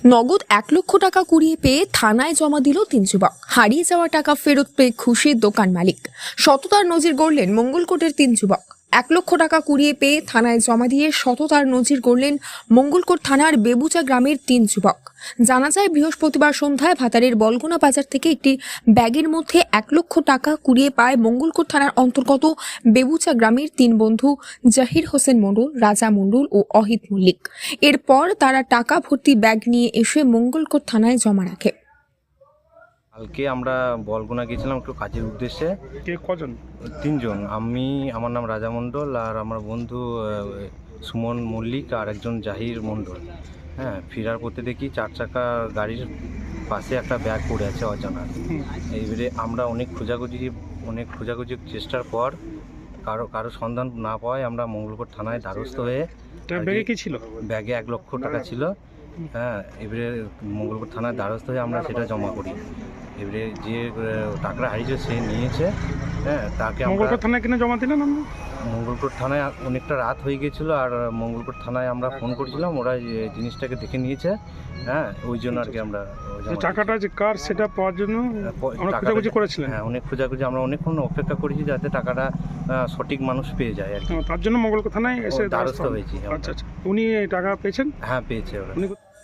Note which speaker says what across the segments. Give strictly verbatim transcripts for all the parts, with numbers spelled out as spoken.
Speaker 1: নগদ এক লক্ষ টাকা কুড়িয়ে পেয়ে থানায় জমা দিল তিন যুবক। হারিয়ে যাওয়া টাকা ফেরত পেয়ে খুশি দোকান মালিক। সততার নজির গড়লেন মঙ্গলকোটের তিন যুবক। এক লক্ষ টাকা কুড়িয়ে পেয়ে থানায় জমা দিয়ে সততার নজির গড়লেন মঙ্গলকোট থানার বেবুচা গ্রামের তিন যুবক। জানা যায়, বৃহস্পতিবার সন্ধ্যায় ভাতারের বলগোনা বাজার থেকে একটি ব্যাগের মধ্যে এক লক্ষ টাকা কুড়িয়ে পায় মঙ্গলকোট থানার অন্তর্গত বেবুচা গ্রামের তিন বন্ধু জাহির হোসেন মণ্ডল, রাজা মণ্ডল ও অহিত মল্লিক। এরপর তারা টাকা ভর্তি ব্যাগ নিয়ে এসে মঙ্গলকোট থানায় জমা রাখে।
Speaker 2: কালকে আমরা বলগোনা গেছিলাম একটু কাজের উদ্দেশ্যে।
Speaker 3: কে কজন?
Speaker 2: তিনজন, আমি, আমার নাম রাজা মণ্ডল, আর আমার বন্ধু সুমন মল্লিক, আর একজন জাহির মণ্ডল। হ্যাঁ, ফেরার পথে দেখি চার চাকা গাড়ির পাশে একটা ব্যাগ পড়ে আছে অজানা। এইবারে আমরা অনেক খোঁজাখুঁজি অনেক খোঁজাখুঁজির চেষ্টার পর কারো কারো সন্ধান না পাওয়ায় আমরা মঙ্গলকোট থানায় দ্বারস্থ হয়ে।
Speaker 3: ব্যাগে কি ছিল?
Speaker 2: ব্যাগে এক লক্ষ টাকা ছিল। হ্যাঁ, এবারে মঙ্গলকোট থানায় দ্বারস্থ হয়ে আমরা সেটা জমা করি। এবারে যে টাকাটা হারিয়েছে সে নিয়েছে। হ্যাঁ, তাকে
Speaker 3: মঙ্গলকোট থানায় কিনে জমা দিলেন? আমরা
Speaker 2: মঙ্গলকোট থানায় অনেকটা রাত হয়ে গেছিলো, আর মঙ্গলকোট থানায় আমরা ফোন করেছিলাম, ওরা জিনিসটাকে দেখে নিয়েছে। হ্যাঁ, ওই জন্য আর কি আমরা
Speaker 3: টাকাটা যে কার সেটা পাওয়ার জন্য খোঁজাখুঁজি করেছিলেন?
Speaker 2: হ্যাঁ, অনেক খোঁজাখুঁজি, আমরা অনেকক্ষণ অপেক্ষা করেছি যাতে টাকাটা সঠিক মানুষ পেয়ে যায় আর কি।
Speaker 3: তার জন্য মঙ্গলকোট থানায় এসে
Speaker 2: দ্বারস্থ হয়েছি।
Speaker 3: আচ্ছা আচ্ছা, উনি টাকা পেয়েছেন?
Speaker 2: হ্যাঁ, পেয়েছে ওরা।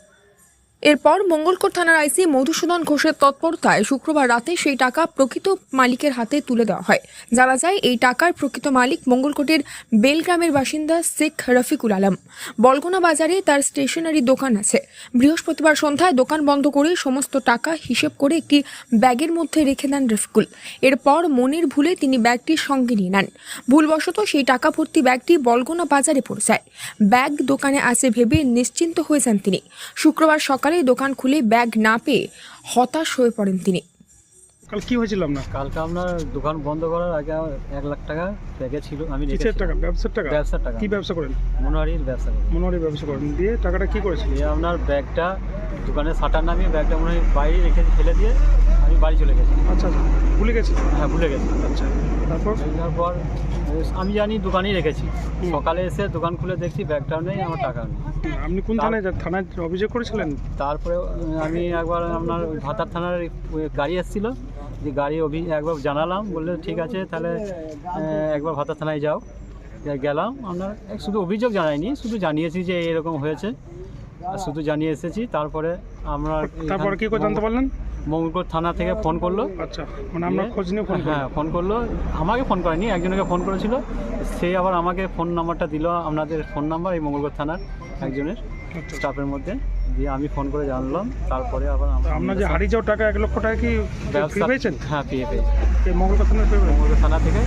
Speaker 1: এরপর মঙ্গলকোট থানার আইসি মধুসূদন ঘোষের তৎপরতায় শুক্রবার রাতে সেই টাকা প্রকৃত মালিকের হাতে তুলে দেওয়া হয়। জানা যায়, এই টাকার প্রকৃত মালিক মঙ্গলকোটের বেলগ্রামের বাসিন্দা শেখ রফিকুল আলম। বলগোনা বাজারে তার স্টেশনারি দোকান আছে। বৃহস্পতিবার সন্ধ্যায় দোকান বন্ধ করে সমস্ত টাকা হিসেব করে একটি ব্যাগের মধ্যে রেখে দেন রফিকুল। এরপর মনের ভুলে তিনি ব্যাগটির সঙ্গে নিয়ে নেন। ভুলবশত সেই টাকা ভর্তি ব্যাগটি বলগোনা বাজারে পড়ে যায়। ব্যাগ দোকানে আছে ভেবে নিশ্চিন্ত হয়ে যান তিনি। শুক্রবার সকালে দোকান খুলে ব্যাগ না পেয়ে হতাশ হয়ে পড়েন তিনি।
Speaker 3: কাল কি হয়েছিল আপনার?
Speaker 4: কালকে আপনার দোকান বন্ধ করার আগে এক লাখ টাকা ব্যাগে ছিল। আমি
Speaker 3: কিসের টাকা? ব্যবসার টাকা?
Speaker 4: ব্যবসার টাকা।
Speaker 3: কি ব্যবসা করেন?
Speaker 4: মনোহারির ব্যবসা করেন।
Speaker 3: মনোহারির ব্যবসা করেন। দিয়ে টাকাটা কি করেছিল?
Speaker 4: দিয়ে আপনার ব্যাগটা দোকানে শাটার নামিয়ে ব্যাগটা মনে হয় বাইরে রেখে ফেলে দিয়ে আমি বাড়ি চলে গেছি।
Speaker 3: আচ্ছা আচ্ছা, ভুলে গেছি?
Speaker 4: হ্যাঁ, ভুলে গেছি।
Speaker 3: আচ্ছা, তারপর?
Speaker 4: তারপর আমি জানি দোকানেই রেখেছি। সকালে এসে দোকান খুলে দেখছি ব্যাগটাও নেই, আমার টাকাও নেই।
Speaker 3: আপনি কোন থানায় থানায় অভিযোগ করেছিলেন?
Speaker 4: তারপরে আমি একবার আপনার ভাতার থানার গাড়ি এসেছিল, যে গাড়ি অভি একবার জানালাম, বললে ঠিক আছে তাহলে একবার ভাতার থানায় যাও। গেলাম, আপনার শুধু অভিযোগ জানাইনি, শুধু জানিয়েছি যে এরকম হয়েছে, আর শুধু জানিয়ে এসেছি। তারপরে আমরা
Speaker 3: তারপরে কি করে জানতে পারলেন?
Speaker 4: মঙ্গলকোট থানা থেকে ফোন করলো।
Speaker 3: আচ্ছা, মানে আমরা খোঁজ নিয়ে ফোন?
Speaker 4: হ্যাঁ, ফোন করলো। আমাকে ফোন করেনি, একজনকে ফোন করেছিল, সে আবার আমাকে ফোন নাম্বারটা দিল, আপনাদের ফোন নাম্বার এই মঙ্গলকোট থানার একজনের স্টাফের মধ্যে দিয়ে আমি ফোন করে জানলাম। তারপরে আবার
Speaker 3: আপনার যে হারিয়ে যাওয়া টাকা এক লক্ষ টাকা কি
Speaker 4: ব্যবসা
Speaker 3: পেয়েছেন?
Speaker 4: হ্যাঁ, পেয়ে পেয়েছি
Speaker 3: এই মঙ্গলকোট থানার
Speaker 4: মঙ্গলকোট থানা থেকে।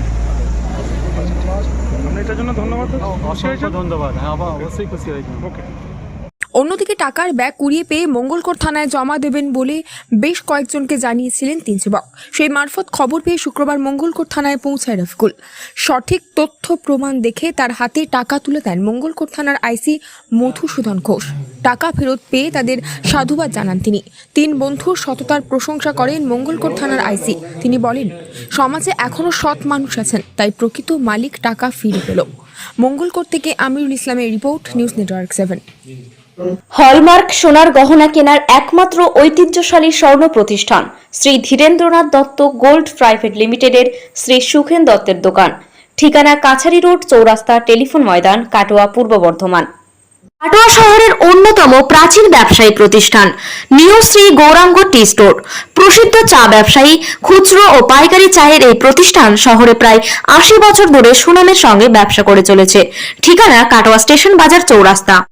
Speaker 3: আপনি এটার জন্য ধন্যবাদ।
Speaker 4: অসংখ্য ধন্যবাদ। হ্যাঁ, অবশ্যই খুশি হয়েছি।
Speaker 3: ওকে।
Speaker 1: অন্যদিকে টাকার ব্যাগ কুড়িয়ে পেয়ে মঙ্গলকোট থানায় জমা দেবেন বলে বেশ কয়েকজনকে জানিয়েছিলেন তিন যুবক। সেই মারফত খবর পেয়ে শুক্রবার মঙ্গলকোট থানায় পৌঁছায় রফিকুল। সঠিক তথ্য প্রমাণ দেখে তার হাতে টাকা তুলে দেন মঙ্গলকোট থানার আইসি মধুসূদন ঘোষ। টাকা ফেরত পেয়ে তাদের সাধুবাদ জানান তিনি। তিন বন্ধুর সততার প্রশংসা করেন মঙ্গলকোট থানার আইসি। তিনি বলেন, সমাজে এখনও সৎ মানুষ আছেন, তাই প্রকৃত মালিক টাকা ফিরে পেল। মঙ্গলকোট থেকে আমিরুল ইসলামের report, news network seven.
Speaker 5: Hallmark সোনার গহনা কেনার একমাত্র ঐতিহ্যশালী স্বর্ণ প্রতিষ্ঠান শ্রী ধীরেন্দ্রনাথ দত্ত গোল্ড প্রাইভেট লিমিটেডের শ্রী সুখেন দত্তের দোকান। ঠিকানা কাছারি রোড, চৌরাস্তা, টেলিফোন ময়দান, কাটোয়া, পূর্ব বর্ধমান। কাটোয়া শহরের অন্যতম প্রাচীন ব্যবসায়ী প্রতিষ্ঠান new Shri Gouranga tea store. প্রসিদ্ধ চা ব্যবসায়ী, খুচরো ও পাইকারি চায়ের এই প্রতিষ্ঠান শহরে প্রায় আশি বছর ধরে সুনামের সঙ্গে ব্যবসা করে চলেছে। ঠিকানা কাটোয়া স্টেশন বাজার, চৌরাস্তা।